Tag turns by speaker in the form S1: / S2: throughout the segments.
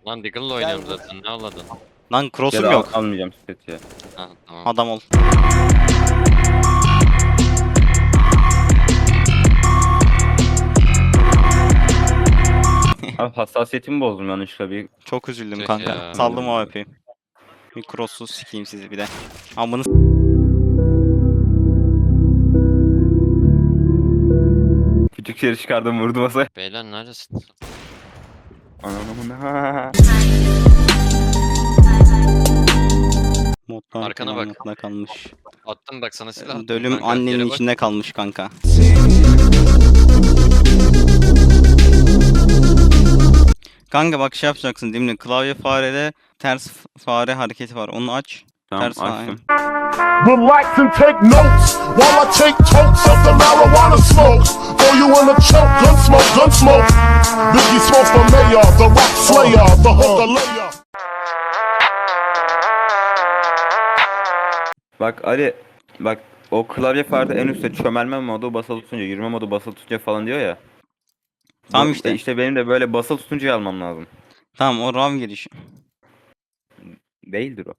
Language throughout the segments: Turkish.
S1: Lan Deagle'la oynuyorum zaten, ne ağladın?
S2: Lan
S3: Ya
S2: cross'um
S3: da
S2: yok.
S3: almayacağım seti ya.
S1: Ha tamam.
S2: Adam ol.
S3: Abi hassasiyetimi bozdum yanlışlıkla bir.
S2: Çok üzüldüm
S1: Tüh
S2: kanka.
S1: ya.
S2: Saldım o AWP'yi. Bir cross'suz sikeyim sizi bir de. Amını
S3: Küçük şeri çıkardım vurdu masaya.
S1: Beyler neredesin?
S3: Anamın ha.
S2: modlar
S1: Arkana bak.
S2: modda kalmış.
S1: Attım bak sana silah attım
S2: Dölüm
S1: kanka, yere
S2: annenin
S1: bak.
S2: içinde kalmış kanka. Kanka bak şey yapacaksın değil mi? Klavye farede ters fare hareketi var. Onu aç.
S3: Tamam
S2: Ters fare.
S3: açtım.
S4: Relax and take notes while I take totes of the marijuana smoke. Throw you in a choke, gun smoke. Biggie Smoke the mayor, the rap slayer, the hooker layer.
S3: Bak Ali, bak o klavye farda en üstte çömelme modu basılı tutunca, yürüme modu basılı tutunca falan diyor ya.
S2: Tamam
S3: Bu-
S2: işte.
S3: İşte benim de böyle basılı tutunca almam lazım.
S2: Tamam o RAM girişi.
S3: Değildir o.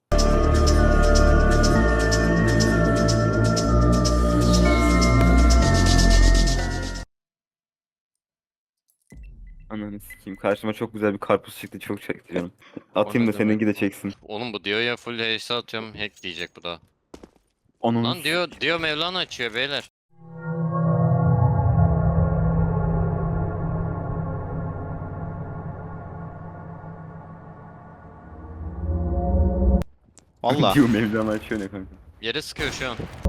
S3: Ananı sikeyim. Karşıma çok güzel bir karpuz çıktı. Çok çekti canım. Atayım
S1: ne
S3: da seninki de
S1: demek?
S3: çeksin.
S1: Oğlum bu diyor ya full HS atıyorum, hack diyecek bu da.
S3: Onun
S1: Lan diyor Mevlana açıyor beyler.
S2: Valla.
S3: diyor Mevlana açıyor ne kanka.
S1: Yere sıkıyor şu an.